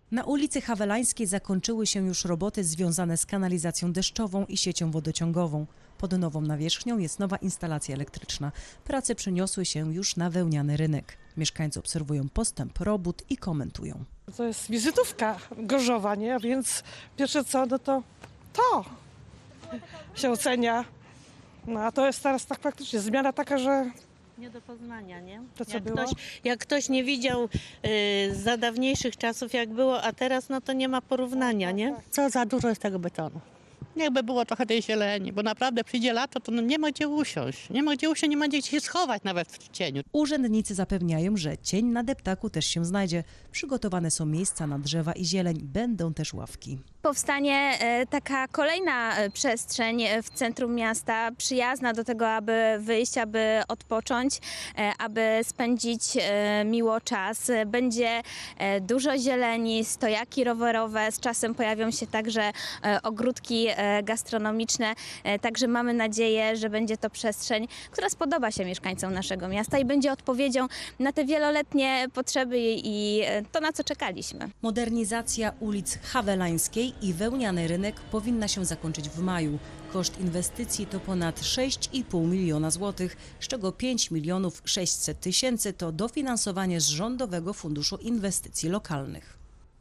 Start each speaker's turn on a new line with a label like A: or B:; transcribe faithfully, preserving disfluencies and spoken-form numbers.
A: Na ulicy Hawelańskiej zakończyły się już roboty związane z kanalizacją deszczową i siecią wodociągową. Pod nową nawierzchnią jest nowa instalacja elektryczna. Prace przeniosły się już na wełniany rynek. Mieszkańcy obserwują postęp robót i komentują.
B: To jest wizytówka Gorzowa, nie? A więc pierwsze co, no to to się ocenia. No a to jest teraz tak faktycznie zmiana taka, że
C: Nie do poznania, nie?
B: To co
C: jak,
B: było?
C: ktoś, jak ktoś nie widział y, za dawniejszych czasów jak było, a teraz, no to nie ma porównania, nie?
D: Co za dużo jest tego betonu. Jakby było trochę tej zieleni, bo naprawdę przyjdzie lato, to no nie ma gdzie usiąść. Nie ma gdzie usiąść, nie ma gdzie się schować nawet w cieniu.
A: Urzędnicy zapewniają, że cień na deptaku też się znajdzie. Przygotowane są miejsca na drzewa i zieleń, będą też ławki.
E: Powstanie e, taka kolejna e, przestrzeń e, w centrum miasta, przyjazna do tego, aby wyjść, aby odpocząć, e, aby spędzić e, miło czas. E, Będzie e, dużo zieleni, stojaki rowerowe, z czasem pojawią się także e, ogródki e, gastronomiczne. E, Także mamy nadzieję, że będzie to przestrzeń, która spodoba się mieszkańcom naszego miasta i będzie odpowiedzią na te wieloletnie potrzeby i e, to, na co czekaliśmy.
A: Modernizacja ulic Hawelańskiej i wełniany rynek powinna się zakończyć w maju. Koszt inwestycji to ponad sześć i pół miliona złotych, z czego pięć milionów sześćset tysięcy to dofinansowanie z Rządowego Funduszu Inwestycji Lokalnych.